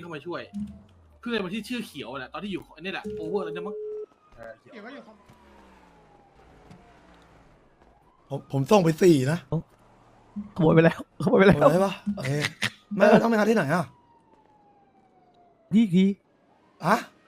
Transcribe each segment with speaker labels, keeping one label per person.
Speaker 1: เข้ามาช่วยเพื่อนมันที่ชื่อเขียวแหละตอนที่อยู่นี่แหละโอเวอร์แล้วจะมั้ง
Speaker 2: เขียวก็อยู่
Speaker 3: ผมส่งไป4นะ
Speaker 4: ขโมยไปแล้วขโมยไปแล้ว
Speaker 3: ใช่ปะโอเคไม่ต้องไปงานที่ไหนอ่ะ
Speaker 4: ยี่ที
Speaker 3: อะ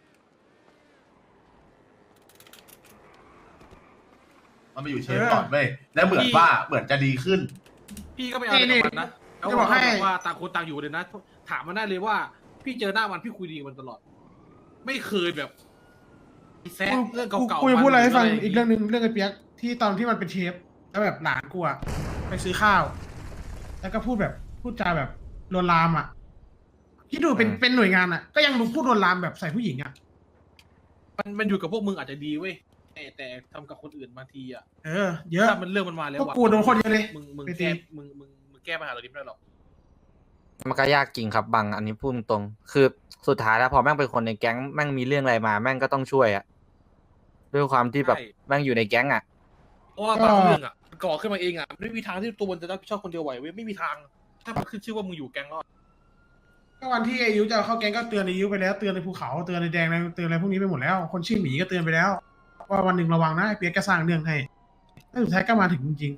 Speaker 5: มันไปอยู่เชฟก่อนเว้ยแล้วเหมือนว่าเหมือนจะดีขึ้น
Speaker 1: พี่ก็ไม่เอาแต่มันนะแล้วบอกว่าต่างคนต่างอยู่เลยนะถามมันได้เลยว่าพี่เจอหน้ามันพี่คุยดีมันตลอด ไม่เคยแบบแซะเรื่องเก่าๆ
Speaker 2: กูจะพูดอะไรให้ฟังอีกเรื่องหนึ่งเรื่องไอ้เปียกที่ตอนที่มันเป็นเชฟแล้วแบบหลานกูอะไปซื้อข้าว แล้วก็พูดจาแบบลวนลามอะคิดดูเป็นหน่วยงานอะก็ยังพูดลวนลามแบบใส่ผู้หญิงอะ
Speaker 1: มันอยู่กับพวกมึงอาจจะดีเว้ยแต่ทำกับคนอื่นบางทีอ่ะ
Speaker 2: เยอะ
Speaker 1: ถ้ามันเรื่องมันมาแล้ว
Speaker 2: พวกกูโดนคนเยอะเลย
Speaker 1: มึง
Speaker 2: ไป
Speaker 1: แก้
Speaker 2: ตี
Speaker 1: มึงแก้ปัญหาเหล่านี้ไม่ได้หรอก
Speaker 6: มันก็ยากจริงครับบังอันนี้พูดตรงๆคือสุดท้ายแล้วพอแม่งเป็นคนในแก๊งแม่งมีเรื่องอะไรมาแม่งก็ต้องช่วยอะด้วยความที่แบบแม่งอยู่ในแก๊งอะ
Speaker 1: เพราะว่าบางเรื่องอ่ะก่อขึ้นมาเองอ่ะไม่มีทางที่ตัวมันจะรับผิดชอบคนเดียวไหวเว้ยไม่มีทาง ถ้ามันขึ้นชื่อว่ามึงอยู่แก๊งแล้ว
Speaker 2: ก็วันที่อายุจะเข้าแก๊งก็เตือนอายุไปแล้วเตือนในภูเขาเตือนในแดงเตือนอะไรพวกนี้ไปหมดแล้ว คนชื่อหมีก็เตือนไปแล้วว่าวันหนึ่งระวังนะไอ้เปียกก็สร้างเรื่องให้แล้วสุดท้ายก็มาถึงจริง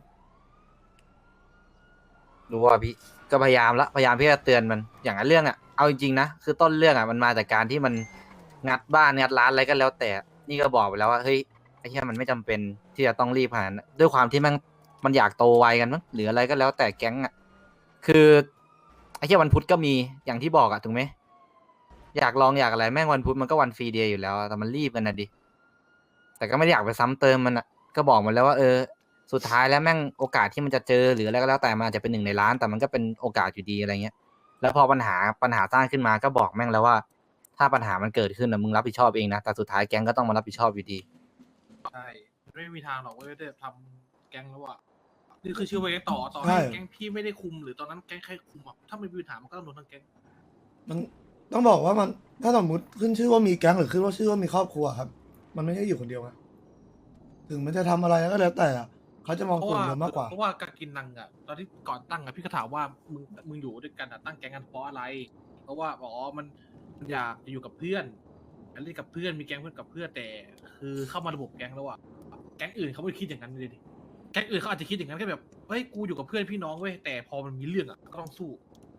Speaker 6: รู้ว่าพี่ก็พยายามที่จะเตือนมันอย่างนั้นเรื่องอะเอาจริงๆนะคือต้นเรื่องอะมันมาจากการที่มันงัดบ้านงัดร้านอะไรก็แล้วแต่นี่ก็บอกไปแล้วว่าเฮ้ยไอ้เหี้ยมันไม่จำเป็นที่จะต้องรีบขนาดนั้นด้วยความที่มันอยากโตไวกันมั้งหรืออะไรก็แล้วแต่แก๊งอะคือไอ้เหี้ยวันพุธก็มีอย่างที่บอกอะถูกไหมอยากลองอยากอะไรแม่งวันพุธมันก็วันฟรีเดย์อยู่แล้วอะแต่มันรีบกันนะดิแต่ก็ไม่ได้อยากไปซ้ำเติมมันอะก็บอกมันแล้วว่าสุดท้ายแล้วแม่งโอกาสที่มันจะเจอหรืออะไรก็แล้วแต่มันอาจจะเป็น1 ในล้านแต่มันก็เป็นโอกาสอยู่ดีอะไรเงี้ยแล้วพอปัญหาสร้างขึ้นมาก็บอกแม่งแล้วว่า ถ้าปัญหามันเกิดขึ้นนะมึงรับผิดชอบเองนะแต่สุดท้ายแก๊งก็ต้องมารับผิดชอบอยู่ดี
Speaker 1: ใช่ไม่มีทางหรอกเว้ยได้ทำแก๊งแล้วอ่ะนี่คือชื่อว่าแก๊งต่อ
Speaker 3: ใช่
Speaker 1: ให้แก๊งพี่ไม่ได้คุมหรือตอนนั้นแก๊งใครคุมอ่ะถ้าไม่มีปัญหามันก็ต้องโดนทั้งแก๊ง
Speaker 3: มันต้องบอกว่ามันถ้าสมมติขึ้นชื่อว่ามีแก๊งหรือขึ้นว่าชื่อว่ามีครอบครัวครับ มันไม่ใช่อยู่คนเดียวนะถึงมันจะทำอะไรก็แล้วแต่อะเขาจะมอง
Speaker 1: เพราะ
Speaker 3: กลุ่ม
Speaker 1: ว่า
Speaker 3: เดียวมากกว่า
Speaker 1: เพราะว่าการกินนังอ่ะตอนที่ก่อนตั้งอ่ะพี่ก็ถามว่ามึงอยู่ด้วยกันอ่ะตั้งแก๊งกันเพราะอะไร เพราะว่ามันอยากจะอยู่กับเพื่อนอยากเล่นกับเพื่อนมีแก๊งเพื่อนกับเพื่อนแต่คือเข้ามาระบบแก๊งแล้วอ่ะแก๊งอื่นเขาไม่คิดอย่างนั้นเลยดิแก๊งอื่นเขาอาจจะคิดอย่างนั้นแค่แบบเฮ้ยกูอยู่กับเพื่อนพี่น้องเว้ยแต่พอมันมีเรื่องอ่ะก็ต้องสู้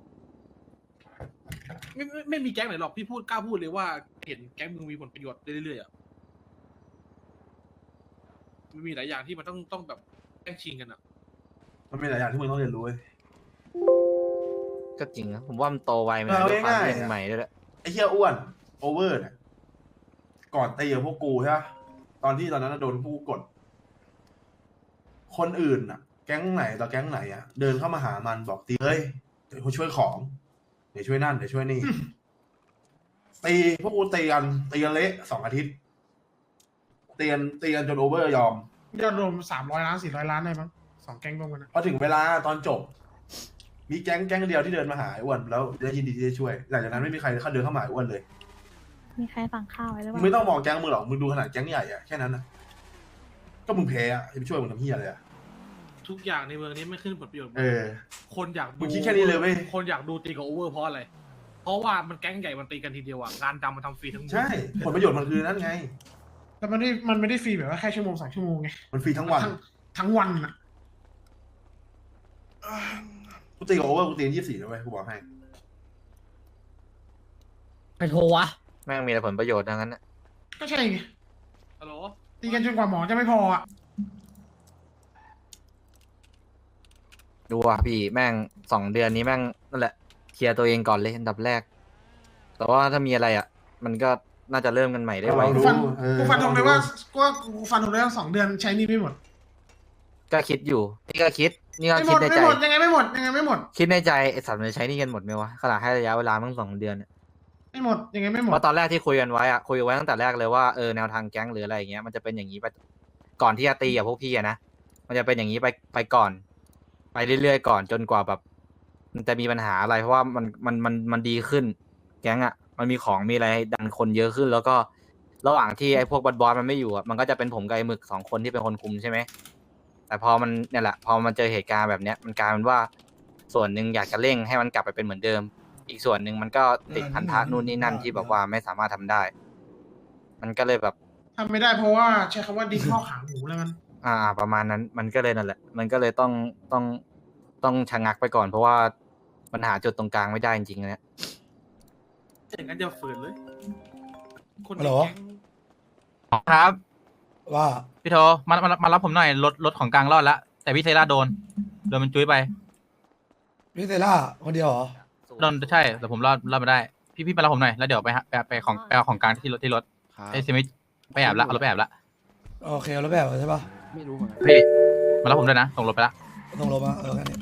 Speaker 1: ไม่มีแก๊งไหนหรอกพี่กล้าพูดเลยว่าเห็นแก๊งมึงมีผลประโยชน์เรื่อยๆอ่ะมันมีหลายอย่างที่มันต้องแบบแย่งชิงกันอ่ะ
Speaker 5: มันมีหลายอย่างที่มึงต้องเรียนรู้เว้ย
Speaker 6: ก็จริงนะผมว่ามันโตไวไหม
Speaker 5: เอา
Speaker 6: ด้วยความ
Speaker 5: ง่ายๆ
Speaker 6: เรื่องใหม่ด้วยแหละ
Speaker 5: ไอ้เหี้ยอ้วนโอเวอร์เนี่ยก่อนตีกับพวกกูใช่ปะตอนนั้นนะโดนพวกกูกด คนอื่นอ่ะ แก๊งไหนต่อแก๊งไหนอ่ะเดินเข้ามาหามันบอกตีเฮ้ยเดี๋ยวกูช่วยของเดี๋ยวช่วยนั่นเดี๋ยวช่วยนี่ ตีพวกกูตีกันเละ2 อาทิตย์ตีกันจนโอเวอร์ยอม
Speaker 2: ๆยอดรวม300 ล้าน400 ล้านได้มั้ง2 แก๊งรวมกันนะ
Speaker 5: พอถึงเวลาตอนจบ มีแก๊งเดียวที่เดินมาหาไอ้อ้วนแล้วได้ยินดีที่จะช่วยหลังจากนั้นไม่มีใครเดินเข้ามาหาไอ้อ้วนเลย
Speaker 7: มีใครสั่งข้าวไว้หรือเป
Speaker 5: มึง
Speaker 7: ล่า
Speaker 5: ไม่ต้องมองแก๊งมึงหรอกมึงดูขนาดแก๊งใหญ่อะแค่นั้นนะก็มึงแพ้อะจะไปช่วยมึงทำเหี้ยอะไรอะ
Speaker 1: ทุกอย่างในเมืองนี้ไม่ขึ้นผลประโยชน์หมด
Speaker 5: เออ
Speaker 1: คนอยาก
Speaker 5: มึ
Speaker 1: ดู
Speaker 5: งคิดแค่นี้เลยเว้ย
Speaker 1: คนอยากดูตีกับโอเวอร์เพราะอะไร เพราะว่ามันแก๊งใหญ่มันตีกันทีเดียวอ่ะงานดำมันทำฟรีทั้งหมด
Speaker 5: ใช่ผลประโยชน์มันคือนั่นไง
Speaker 2: แต่มันไม่ได้ฟรีแบบว่าแค่ชั่วโมง2 ชั่วโมงไง
Speaker 5: มันฟรีทั้งวัน
Speaker 2: ทั้งวันอ่ะ
Speaker 5: กูตีกับโอเวอร์กูตีกัน24นะเว้ยกูบอกให้
Speaker 4: ใครโทรวะ
Speaker 6: แม่งมีแต่ผลประโยชน์ทั้งนั้นนะ
Speaker 2: ก็ใช่ไง
Speaker 1: ฮัลโหล
Speaker 2: ตีกันจนกว่าหมอจะไม่พออ่ะ
Speaker 6: ดูว่าพี่แม่ง2 เดือนนี้แม่งนั่นแหละเคลียร์ตัวเองก่อนเลยอันดับแรก แต่ว่าถ้ามีอะไรอ่ะ มันก็น่าจะเริ่มกันใหม่ได้ไว
Speaker 5: เรารู้
Speaker 2: กูฟันธงเลยว่ากูฟันธงเลยว่า2 เดือนใช้หนี่ไม่หมด
Speaker 6: ก็คิดอยู่นี่ก็คิดนี่ก็
Speaker 2: ไม่หม
Speaker 6: คิด
Speaker 2: ด
Speaker 6: ใน
Speaker 2: ไม่
Speaker 6: ใจ
Speaker 2: หมดยังไงไม่หมดยังไงไม่หมด
Speaker 6: คิดในใจไอ้สัตว์มันจะใช้หนี่กันหมดไหมวะขนาดให้ระยะเวลามั่ง2 เดือนเนี่ย
Speaker 2: ไม่หมดยังไงไม่หม
Speaker 6: เพ
Speaker 2: ด
Speaker 6: ราะตอนแรกที่คุยกันไว้อะคุยไว้ตั้งแต่แรกเลยว่าแนวทางแก๊งหรืออะไรอย่างเงี้ยมันจะเป็นอย่างนี้ไปก่อนที่จะตีกับพวกพี่อะนะมันจะเป็นอย่างนี้ไปก่อน ไปเรื่อยๆก่อนจนกว่าแบบ มันจะมีปัญหาอะไรเพราะว่ามันดีขึ้น แก๊งอะมันมีของมีอะไรดันคนเยอะขึ้น แล้วก็ระหว่างที่ไอ้พวกบอสมันไม่อยู่อะมันก็จะเป็นผมกับไอ้หมึก2 คนที่เป็นคนคุมใช่ไหมแต่พอมันเนี่ยแหละพอมันเจอเหตุการณ์แบบเนี้ยมันกลายเป็นว่าส่วนหนึ่งอยากจะเร่งให้มันกลับไปเป็นเหมือนเดิมอีกส่วนหนึ่งมันก็ติดพันธะนู่นนี่นั่นที่แบบว่าไม่สามารถทำได้ มันก็เลยแบบ
Speaker 2: ทำไม่ได้เพราะว่าใช้คำว่าดิ้นข้อขาหมูแล้วกัน
Speaker 6: ประมาณนั้นมันก็เลยนั่นแหละ มันก็เลยต้องชะงักไปก่อนเพราะว่ามันหาจุดตรงกลางไม่ได้จริงๆนะ
Speaker 1: อย่างนั้นจะฝืนเลย คน
Speaker 3: ฮัลโหล
Speaker 1: ในแก๊ง
Speaker 8: ครับ
Speaker 3: ว่า
Speaker 8: พี่โทมารับผมหน่อยรถของกลางรอดแล้วแต่พี่เซราโดนมันจุ้ยไป
Speaker 3: พี่เซล่าคนเดียวเหรอ
Speaker 8: โดนใช่แต่ผมรอดมาได้ พี่มารับผมหน่อยแล้วเดี๋ยวไปเอาของกลางที่รถไอ้เซมิไปแอบละเอารถไปแอบละ
Speaker 3: โอเคเอาแล้วแบบใช่ปะ
Speaker 8: พี่มารับผมด้วยนะส่งรถไปละ
Speaker 3: ส่งลงมาแค่นี้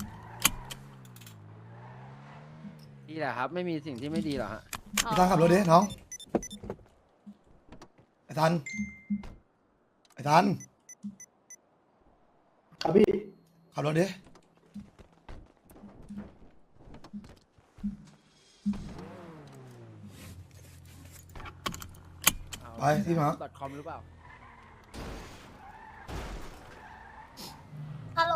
Speaker 9: ดีแหละครับ ไม่มีสิ่งที่ไม่ดีหรอกฮะ
Speaker 3: ไอ้ทันขับรถดิน้องไอ้ทันครับพี่ขับรถดิไปที่มา
Speaker 9: .com หรือเปล่า
Speaker 7: ฮัลโหล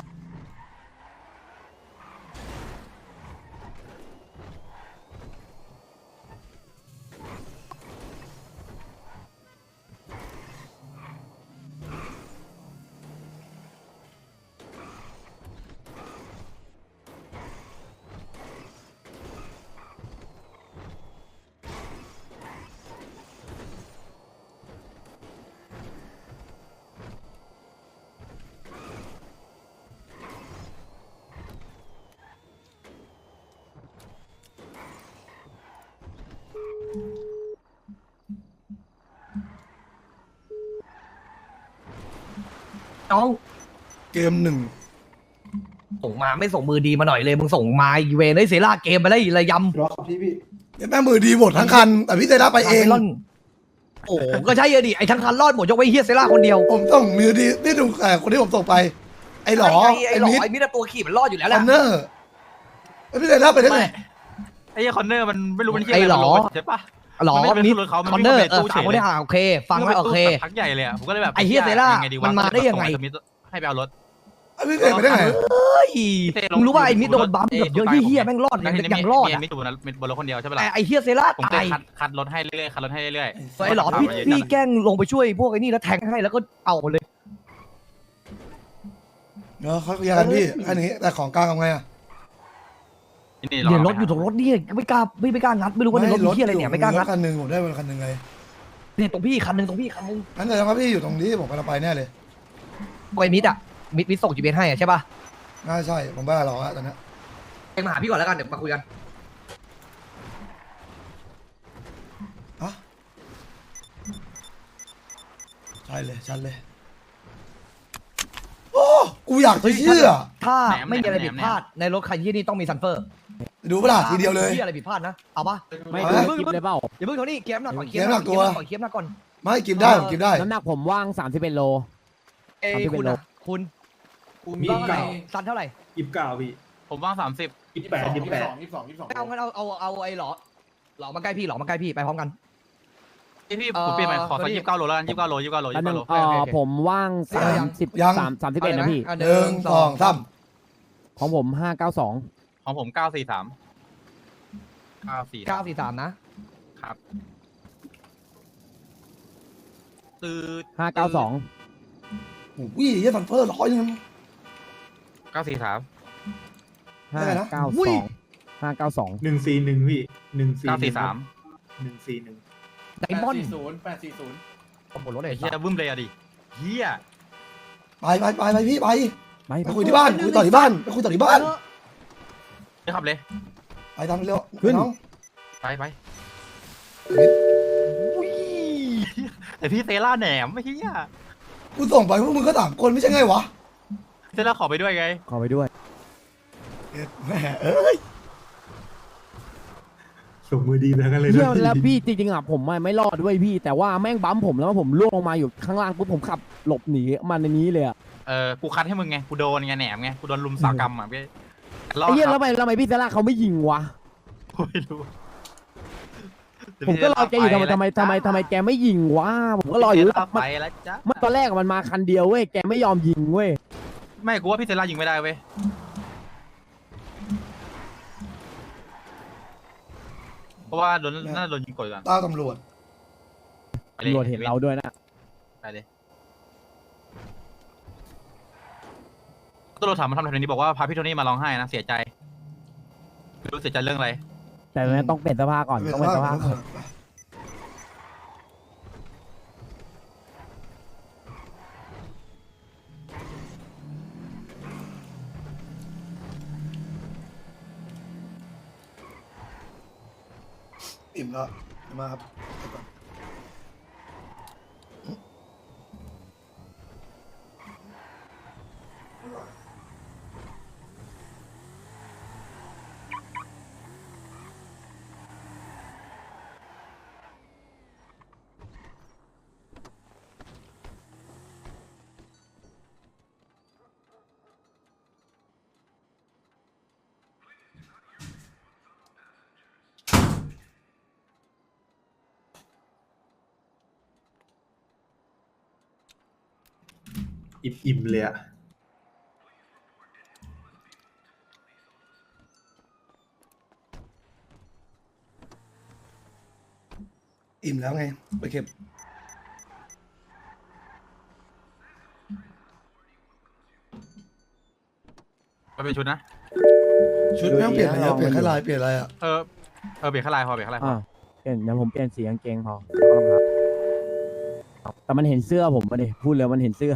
Speaker 4: น้อง
Speaker 3: เกมหนึ่ง
Speaker 4: ส่งมาไม่ส่งมือดีมาหน่อยเลยมึงส่งมาอีเวนได้เซล่าเกมไปแล้วอีระยำ
Speaker 3: รอครับพี่แม่มือดีหมดทั้งคันแต่พี่เซล่าไปเอง
Speaker 4: ล่อนโอ้ก็ใช่อะดิไอ้ทั้งคันรอดหมดยกไว้เฮียเซล่าคนเดียว
Speaker 3: ผมส่งมือดีนี่ดูคนที่ผมส่งไป ไอ้หลอ
Speaker 4: ไอ้หลอ
Speaker 3: มิด
Speaker 4: ไอ้มิดตัวขี่มันรอดอยู่แล้วแห
Speaker 3: ค
Speaker 4: ละ
Speaker 3: อนเนอร์ไอ้พี่เซล่าไปได้ไง
Speaker 8: ไอ้คอนเนอร์มันไม่รู้มันเที่ย
Speaker 4: ไอ้
Speaker 8: อะไร
Speaker 4: หลอ
Speaker 8: ใช่ปะ
Speaker 4: หลอ
Speaker 8: มันไม่ได้
Speaker 4: มิด
Speaker 8: เป็นรถเขามัน
Speaker 4: คอนเนอร์
Speaker 8: ไม่ได้เป็นตู้
Speaker 4: สามคน
Speaker 8: เฉย
Speaker 4: ได้โอเคฟังแล้วโอเค
Speaker 8: พักใหญ่เลยผมก็เลยแบบ
Speaker 4: ไอ้เหี้ยเซล่า
Speaker 8: ยังไงดีวะ
Speaker 4: มันมาได้ยังไง
Speaker 8: ให้ไปเอารถ
Speaker 3: ไอ้พี่เซล่าไปได้ไง
Speaker 4: เฮ้ยมึงรู้ว่าไอ้มิดโดนบัมแบบเยอะเฮี้ยแม่งรอดยังรอด
Speaker 8: มี
Speaker 4: อะ
Speaker 8: มิดบนรถคนเดียวใช่ปะล่ะ
Speaker 4: ไอ้เฮี้ยเซล่า
Speaker 8: ผมก็
Speaker 4: ตาย
Speaker 8: คัดรถให้เรื่อยๆคัดรถให้เรื่อย
Speaker 4: ไอ้หลอพี่แกล้งลงไปช่วยพวกไอ้นี่แล้วแทงให้แล้วก็เอาหมดเลย
Speaker 3: เนาะเขาเคลียร์กันพี่แค่นี้แต่ของกลางทำไงอะ
Speaker 8: นี่
Speaker 4: เดี๋ยวรถอยู่ตรงรถนี่ไม่กล้างัดไม่รู้ว่าในรถมีเฮี้ยอะไรเนี่ยไม่กล้างัด
Speaker 3: คันหนึ่งผมได้คันหนึ่งไง
Speaker 4: เนี่ยตรงพี่คันนึงตรงพี่คันนึง
Speaker 3: งั้นแต่ว่าพี่อยู่ตรงนี้ผมกำลังไปแน่เลย
Speaker 4: ไอ้มิดอะมิดส่ง GPS ให้อะใช่ป่ะ
Speaker 3: น่าใช่ผมบ้าหรอกอะตอนนี้
Speaker 4: เองมาหาพี่ก่อนแล้วกันเดี๋ยวมาคุยกัน
Speaker 3: อะใช่เลยชัดเลย โอ้กูอยากจะเชื่อ
Speaker 4: ถ้าไม่มีอะไรผิดพลาดในรถคันยี่นี่ต้องมีซันเฟอร์
Speaker 3: ดูเปล่าทีเดียวเลย
Speaker 4: ที่อะไรผิดพลาดนะเอาป่ะ
Speaker 9: ไม่
Speaker 3: เอา
Speaker 9: ดู
Speaker 3: ไหม
Speaker 9: คลิปเลยเปล่า
Speaker 4: อย่าเพิ่งเท่านี้เกมหนักก่อน
Speaker 3: เกมหนักตัว
Speaker 4: เกมหนักก่อน
Speaker 3: ไม่กินได้ผมกินได้
Speaker 9: น้ำหนักผมว่าง31 โล
Speaker 4: เอ้ย
Speaker 9: 30
Speaker 4: คุณอะคุณ
Speaker 10: มี
Speaker 4: ว่าเท่าไหร่
Speaker 10: เก่า
Speaker 4: ซันเท่าไหร่
Speaker 10: 29พี่
Speaker 8: ผมว่าง30
Speaker 10: 28
Speaker 4: เอางั้นเอาไอ้หลอมาใกล้พี่หลอมาใกล้พี่ไปพร้อมกัน
Speaker 8: พี่ผมเปลี่ยนใหม่ขอสัก29 โลแล้วกัน29 โล
Speaker 9: แล้วนึง
Speaker 8: โล
Speaker 4: โอเค
Speaker 9: ผมว่าง31นะพี่
Speaker 4: เอา
Speaker 3: หนึ่งสองสาม
Speaker 9: ของผม592
Speaker 8: ของผม943
Speaker 4: 943นะครับ
Speaker 8: ตื้อ
Speaker 9: 592
Speaker 3: โอ้ยยี่ฟันเฟอร์100นึง
Speaker 8: 943
Speaker 3: ได้นะ
Speaker 9: 592
Speaker 10: 141พี่
Speaker 8: 943
Speaker 10: 141
Speaker 4: ไดมอนด์
Speaker 10: 840
Speaker 4: ผมหมดรถเลย
Speaker 8: ไอ้เหี้ยบึ้มเลยอะดิเหี้ย
Speaker 3: ไปพี่ไป
Speaker 9: ไป
Speaker 3: ไปคุยที่บ้านคุยต่อที่บ้านไปคุยต่อที่บ้าน
Speaker 8: ไปขับเลย
Speaker 3: ไปทำเร็ว
Speaker 9: ขึ้น
Speaker 3: น้อง
Speaker 8: ไปแต่พี่เซล่าแหนมไม่เหี้ย
Speaker 3: กูส่งไปพวกมึงก็3คนไม่ใช่ไงวะ
Speaker 8: เซล่าขอไปด้วยไง
Speaker 9: ขอไปด้วย
Speaker 3: แหมเอ้ย
Speaker 10: ส่งมือดีไปทั้งนั้นเลย
Speaker 9: เที่ย
Speaker 10: นะ
Speaker 9: วแล้วพี่จริงๆอ่ะผมไม่รอดด้วยพี่ แต่ว่าแม่งบัมผมแล้วผมล่วงลงมาอยู่ข้างล่างปุ๊บผมขับหลบหนีมาในนี้เลยอ่ะ
Speaker 8: กูคัดให้มึงไงกูโดนไงแหนมไงกูโดนลุมสากรรมอ่ะพี่รอด
Speaker 9: ไอ้เหี้ย
Speaker 8: ค
Speaker 9: แล้
Speaker 8: รั
Speaker 9: ว
Speaker 8: บ
Speaker 9: ทำไมพี่เซล่าเขาไม่ยิงวะ
Speaker 8: ไม่รู้
Speaker 9: ผมก็รอแกอยู่ทำไมแกไม่ยิงวะผมก็รออยู่
Speaker 8: ไปแล้วจ้ะ
Speaker 9: เมื่อตอนแรกมันมาคันเดียวเว้ยแกไม่ยอมยิงเว้ย
Speaker 8: ไม่กูว่าพี่เซล่ายิงไม่ได้เว้ยราะว่าโดนน่าจะโดนยิงกดก่อน
Speaker 3: ต้าตำรวจ
Speaker 8: ไปลย
Speaker 9: ตำรวจเห็นเราด้วยนะ
Speaker 8: ไปเลยตำรวจถามมาทำอะไรนี้บอกว่าพาพี่โทนี่มาร้องไห้นะเสียใจไม่รู้เสียใจเรื่องอะไร
Speaker 9: แต่ตอนนี้ต้องเปลี่ยนเสื้อผ้าก่อนต้องเปลี่ยนเสื้อผ้าก่อน
Speaker 3: อิ่มแล้วมาครับ
Speaker 10: อิ่มเลยอะ
Speaker 3: อิ่มแล้วไงไปเก็บ
Speaker 8: ไปเป็นชุดนะ
Speaker 3: ชุดไม่ต้องเปลี่ยนอะไรเยอะเปลี่ยนแค่ลายเปลี่ยนอะไรอ่ะ
Speaker 8: เปลี่ยนแค่ลายพอเปลี่ยนแค่ลายพอ
Speaker 9: เปลี่ยนเดี๋ยวผมเปลี่ยนสีกางเกงพอแล้วก็รองเท้าแต่มันเห็นเสื้อผมมาดิพูดเลยมันเห็นเสื้อ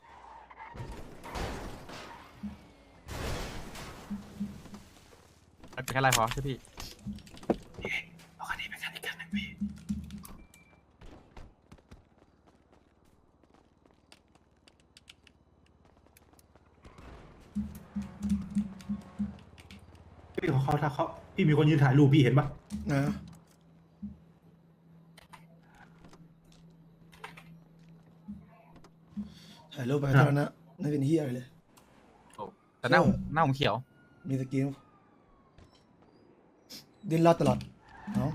Speaker 8: เปลี่ยนแค่ลายพอใช่พี่
Speaker 10: พี่เขาถ้าเขาพี่มีคนยืนถ่ายรูปพี่เห็นปะ
Speaker 3: นะถ่ายรูปไปเท่านั้นนะไม่เป็นเฮียอะไรเลย
Speaker 8: แต่หน้าผมเขียว
Speaker 3: มีสกิลดิ้นรอดตลอดเนาะ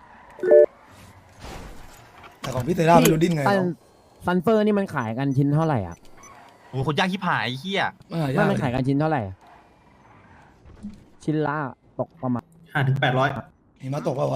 Speaker 3: แต่ของพี่เตล่าไม่รู้ดิ้นไง
Speaker 9: ซันเฟอร์นี่มันขายกันชิ้นเท่าไหร่อ่ะ
Speaker 8: โอ้โหคนย่างขี้ผายไอ้เหี้ย
Speaker 3: ไม่หายา
Speaker 9: ไม่
Speaker 3: ก
Speaker 9: มันขายกันชิ้นเท่าไหร่อะชิ้นละตกประมาณ
Speaker 10: 500-800
Speaker 3: หิมะตกเปล่าวะ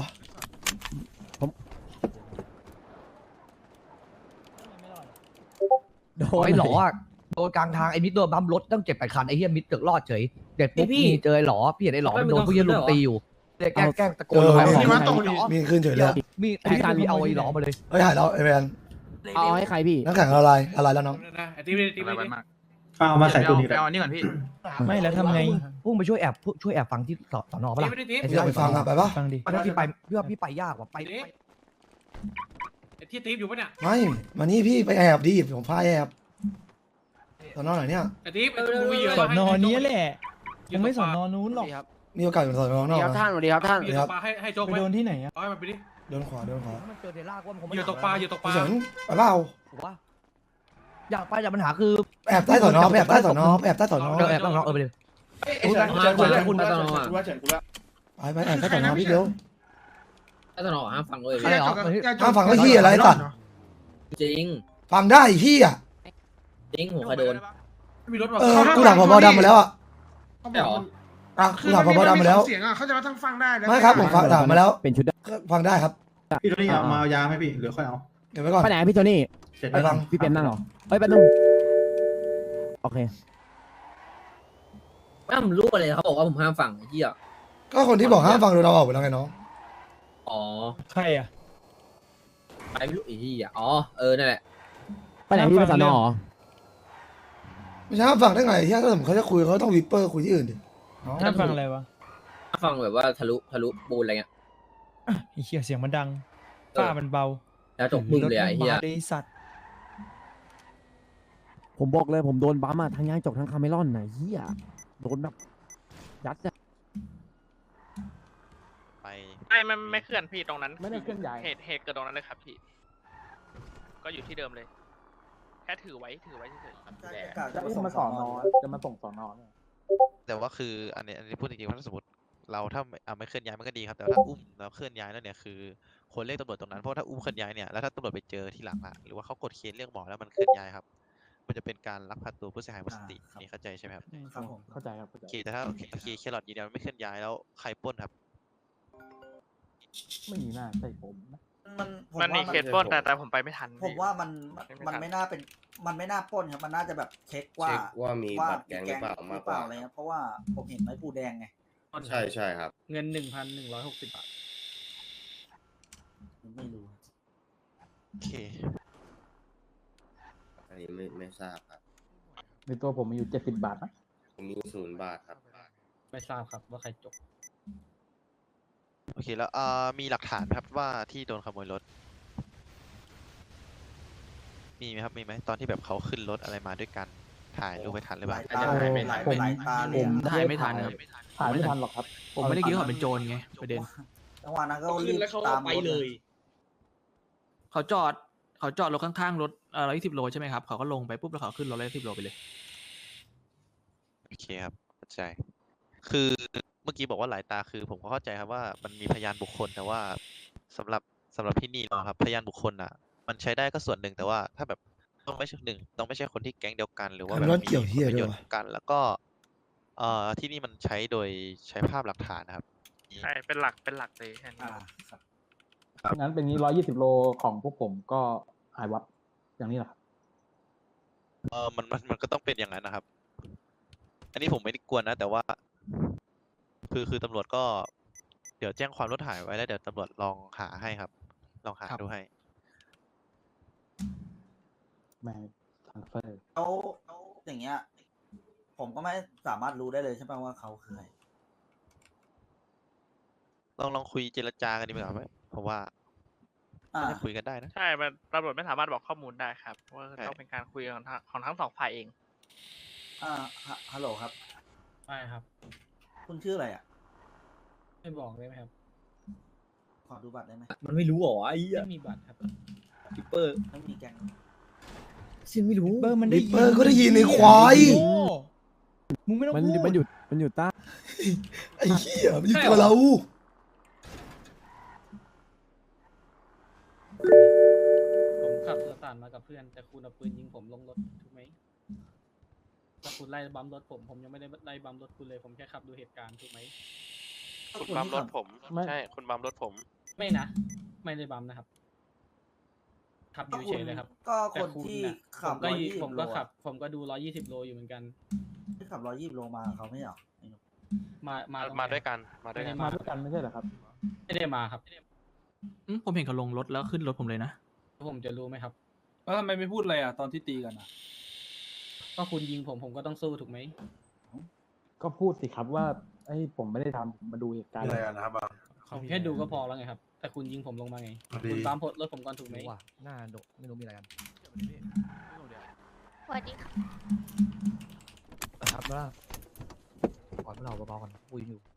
Speaker 9: โด
Speaker 4: โอ้ยหลออะโดนกลางทางไอ้มิดโดนบัมรถตั้ง7-8 คันไอ้เหี้ยมิดเกือบรอดเฉยเด็กปุ๊บ
Speaker 11: พี่
Speaker 4: มีเจอไอ้หลอพี่เห็นไอ้หลอมันโดนผู้เหี้ยลุมตีอยู่เด็กแกล้งตะโกนหาหลอ
Speaker 2: หิมะตกดิ
Speaker 3: มีขึ้นเฉยเลย
Speaker 4: มีไอ้การมีเอาไอ้หลอมาเลย
Speaker 3: เฮ้ยหายแล้วไอ้แมน
Speaker 9: เอาให้ใครพี่
Speaker 3: นักแข่งอะไรแล้วน้อง
Speaker 1: นะไอ้ที่ไม่
Speaker 8: อะไรมาก
Speaker 10: เอามาใส่ตัวนี้
Speaker 8: ไปเอาอันนี้ก่อนพี่
Speaker 9: ไม่แล้วทำไง
Speaker 4: พุ่งไปช่วยแอบฟังที่สอนอปะล่ะ
Speaker 1: ไม่ได้ทิป
Speaker 4: ไอ้
Speaker 3: อยากไปฟังอ่ะไปปะ
Speaker 9: ฟังดิ
Speaker 4: พี่ไปพี่ไปยากว่ะไป
Speaker 1: ไอ้ที่ทิปอยู่ปะเนี่ย
Speaker 3: ไม่มานี่พี่ไปแอบดิผมพาแอบตอนนอนไหนเนี่ย
Speaker 1: ไอ้ทิปมึงมีเยอะ
Speaker 9: สอนอนี้แหละ
Speaker 1: ยังไม่สอนนอน
Speaker 9: นู้นหรอก
Speaker 3: มีโอกาสอยู่สอนนอก
Speaker 11: ครับ
Speaker 3: นะ
Speaker 11: ท่านสวัสดีครับท่าน
Speaker 1: มีตกปลาให้โจ๊ก
Speaker 9: ไป
Speaker 1: ไหม
Speaker 9: โดนที่ไหนอ่ะ
Speaker 1: เอาให้มันไปดิ
Speaker 3: เดินขวา
Speaker 4: มันเจอเดล่าว่ามันคง
Speaker 1: เหยื่อตกปลาเหยื่อตกปลา
Speaker 3: เฉินไปเปล่า
Speaker 4: ถูกปะอยากไปแต่ปัญหาคือ
Speaker 3: แอบใต้สอนอแอบใต้สอนอแอบใต้สอนอ
Speaker 4: แอบต้องเอาไปเลย
Speaker 11: คุณแ
Speaker 3: ไป
Speaker 11: คุณ
Speaker 3: แอบใต้สอนอพี่เดียว
Speaker 11: ถ้าตลอดห้ามฟังเลย
Speaker 4: อะไรหรอ
Speaker 3: ห้ามฟังไอ้เหี้ยอะไรตัด
Speaker 11: จริง
Speaker 3: ฟังได้ไอ้เหี้ย
Speaker 11: จริงผมเคยโดน
Speaker 1: ไม่มีรถว่ะ
Speaker 3: กูถามผบดำมาแล้วอ่ะ
Speaker 2: เขาบอกมัน
Speaker 3: อ่ะกูถามผบดำมาแล้ว
Speaker 2: เสียงอ่ะเขาจะมาทั้งฟังได้แล้ว
Speaker 3: ไม่ครับผมฟังถามมาแล้ว
Speaker 9: เป็นชุดได้
Speaker 3: ฟังได้ครับ
Speaker 10: พี่ตัวนี้เอามาเอายาไหมพี่หรือค่อยเอา
Speaker 3: เดี๋ยวไว้ก่อน
Speaker 9: ไปไหนพี่โทนี่
Speaker 10: เสร็จ
Speaker 3: ไปฟัง
Speaker 9: พี่เป็นนั่งเหรอเอ้ยแป๊บนึงโอเค
Speaker 11: ไม่ผมรู้อะไรเขาบอกว่าผมห้ามฟังไอ้เหี้ย
Speaker 3: ก็คนที่บอกห้ามฟังโดนเราออกไปแล้วไงน้อง
Speaker 11: อ๋อ
Speaker 9: ใครอ่ะ
Speaker 11: ไปไม่รู้ไอ้เหี้ยอ๋อนั่นแหละ
Speaker 9: ไปไหนพี่ไปสอนอเหรอ
Speaker 3: ไม่ใช่ห้ามฟังได้ไงเหี้ยถ้าสมมติเขาจะคุยเขาต้องวิปเปอร์คุยที่อื่นดิน้อง
Speaker 11: ห้ามฟังอะไรวะห้ามฟังแบบว่าทะลุปูนอะไรเงี้ย
Speaker 9: ไอ้เหี้ยเสียงมันดัง
Speaker 11: ฝ้ามันเบา แล้วจบมึงเลยไอ้เหี้ย
Speaker 9: ผมบอกเลยผมโดนบัมอ่ะทั้งย่างจกทั้งคาเมลอนน่ะเหี้ยโดนแบบยัดอะ
Speaker 12: ไม่เคลื่อนพี่ตรงนั้น
Speaker 9: ไม่ได้เคลื่อนย้าย
Speaker 12: เหตุเกิดตรงนั้นเลยครับพี่ ก็อยู่ที่เดิมเลย แค่ถือไว้เฉยๆครับแต่
Speaker 9: จะอุ้มมาสอนอจะมาส่งสอนอ
Speaker 13: แต่ว่าคืออันนี้พูดจริงๆว่าถ้าสมมติเราถ้าไม่เคลื่อนย้ายมันก็ดีครับแต่ว่าถ้าอุ้มแล้วเคลื่อนย้ายแล้วเนี่ยคือคนเรียกตำรวจตรงนั้นเพราะถ้าอุ้มเคลื่อนย้ายเนี่ยแล้วถ้าตำรวจไปเจอที่หลังอะหรือว่าเขากดเคสเรียกหมอแล้วมันเคลื่อนย้ายครับมันจะเป็นการลักพาตัวผู้เสียหายหมดสตินี่เข้าใจใช่ไหมครับ
Speaker 9: ครับผมเข้าใจครับเข้าใจ
Speaker 13: โอเคแต่ถ้าโอเคแครอทยืนยันไม่เคลื่อนย้ายแล้วใครปล้นครับ
Speaker 9: ไม่น่าใช่ผมนะ
Speaker 12: มันมีเคสปล้นแต่ผมไปไม่ทัน
Speaker 14: ผมว่ามัน
Speaker 12: มันไม่ทัน
Speaker 14: มันไม่น่าปล้นครับมันน่าจะแบบเช็คว่า
Speaker 11: ว่ามีบัตรแก๊งหรือเปล่ามากกว่า
Speaker 14: อะไรครับเพราะว่าผมเห็นไม้ปูแดงไง
Speaker 11: ใช่ใช่ครับ
Speaker 9: เงิน1,160 บาท
Speaker 14: ไม่รู้
Speaker 13: โอเค
Speaker 11: อันนี้ไม่ทราบครับ
Speaker 9: ในตัวผมมีอยู่70 บาทนะ
Speaker 11: ผมมี0 บาทครับ
Speaker 9: ไม่ทราบครับว่าใครจบ
Speaker 13: โอเคแล้วมีหลักฐานไหมครับว่าที่โดนขโมยรถ มีไหมครับมีไหมตอนที่แบบเขาขึ้นรถอะไรมาด้วยกันถ่ายรูปไปทันหรือเปล่า
Speaker 14: ผม
Speaker 9: ถ่ายไม่ทันครับถ่ายไม่ทันหรอกครับ ผมไม่ได้คิดว่าเขาเป็นโจรไงประเด็น
Speaker 14: จังหวะนั้นก็รีบตามไปเลย
Speaker 9: เขาจอดรถข้างๆรถ120 โลใช่ไหมครับเขาก็ลงไปปุ๊บแล้วเขาขึ้นรถ110 โลไปเลย
Speaker 13: โอเคครับเข้าใจ คือเมื่อกี้บอกว่าหลายตาคือผมก็เข้าใจครับว่ามันมีพยานบุคคลแต่ว่าสำหรับที่นี่เนาะครับพยานบุคคลอ่ะ มันใช้ได้ก็ส่วนหนึ่งแต่ว่าถ้าแบบต้องไม่ใช่ต้องไม่ใช่คนที่แก๊งเดียวกัน หรือว่าแบบ
Speaker 3: คำว่า
Speaker 13: มี
Speaker 3: เกี่ยวเหี้ย
Speaker 13: ผลประโยช
Speaker 3: ด้วย
Speaker 13: น์
Speaker 3: วะ
Speaker 13: กัน แล้วก็ที่นี่มันใช้โดยใช้ภาพหลักฐานนะครับ
Speaker 12: ใช่เป็นหลักเลยแค่นี้
Speaker 9: งั้นเป็นงี้120 โลของพวกผมก็หายวับอย่างนี้แหละครับ
Speaker 13: มันก็ต้องเป็นอย่างนั้นนะครับ อันนี้ผมไม่ได้กวนนะ แต่ว่า คือตำรวจก็ เดี๋ยวแจ้งความรถหายไว้แล้วเดี๋ยวตำรวจลองหาให้ครับ ลองหาดูให้
Speaker 9: แม่ทางเฟอร์
Speaker 14: เขาอย่างเงี้ย ผมก็ไม่สามารถรู้ได้เลยใช่ไหมว่าเขาคือใคร
Speaker 13: ลองคุยเจรจากันดีกว่าไหมผมว่าน่าจะคุยกันได้นะ
Speaker 12: ใช่มันตำรวจไม่สามารถบอกข้อมูลได้ครับเพราะว่า
Speaker 13: ใช่
Speaker 12: ต้องเป็นการคุยของทั้งสองฝ่ายเอง
Speaker 14: ฮัลโหลครับ
Speaker 9: ใช่ครับ
Speaker 14: คุณชื่ออะไรอ่ะ
Speaker 9: ไม่บอกได้ไหมครับ
Speaker 14: ขอดูบัตรได้ไหม
Speaker 11: มันไม่รู้หรอไอ้เหี้ย
Speaker 9: ไม่มีบัตรครับ
Speaker 11: ปิปเปอร์
Speaker 14: ไม่มีแกง
Speaker 11: ซินไม่รู้
Speaker 3: ริปเปอร์ก็ได้ยินในควาย
Speaker 11: มึงไม่ต้อง
Speaker 9: มัน
Speaker 11: พูด
Speaker 9: อยู่ใต้
Speaker 3: ไอ้เหี้ยมันอยู่ตัวเรา
Speaker 9: ผมขับรถตามมากับเพื่อนแต่คุณเอาปืนยิงผมลงรถถูกไหมถ้าคุณไล่บัมรถผมยังไม่ได้ไล่บัมรถคุณเลยผมแค่ขับดูเหตุการณ์ถูกไหม
Speaker 12: คุณบัมรถผม
Speaker 9: ไม่
Speaker 12: ใช่คุณบัมรถผม
Speaker 9: ไม่นะ ไม่ได้บัมนะครับขับอยู่เฉยเลยครับ
Speaker 14: ก็
Speaker 9: แต่
Speaker 14: คน
Speaker 9: ณ
Speaker 14: ที่
Speaker 9: น่ะ
Speaker 14: ขับ
Speaker 9: ผมก็
Speaker 14: 120
Speaker 9: ขับ ผมก็ดู120 โลอยู่เหมือนกัน
Speaker 14: ที่ขับ120 โลมาเขาไม่เหรอ
Speaker 12: มาด้วยกันมาด้วยกัน
Speaker 9: มาด้วยกันไม่ใช่เหรอครับ ไม่ได้มาครับผมเห็นเขาลงรถแล้วขึ้นรถผมเลยนะผมจะรู้ไหมครับ
Speaker 10: แล้วทำไมไม่พูดอะไรอ่ะตอนที่ตีกันอ่ะ
Speaker 9: ก็คุณยิงผมก็ต้องสู้ถูกไหม ก็พูดสิครับว่าไอ้ผมไม่ได้ทำมาดูเหตุการณ์
Speaker 5: อะไรกันนะครับบาง
Speaker 9: ผมแค่ดูก็พอแล้วไงครับ แต่คุณยิงผมลงมาไง
Speaker 5: พอดี
Speaker 9: คุณตามรถผมก่อนถูกไหม
Speaker 4: หน้าดกไม่รู้มีอะไรกัน
Speaker 7: สวัสดีค่ะ
Speaker 4: นะครับว่าก่อนเราเบาๆกันคุยอยู่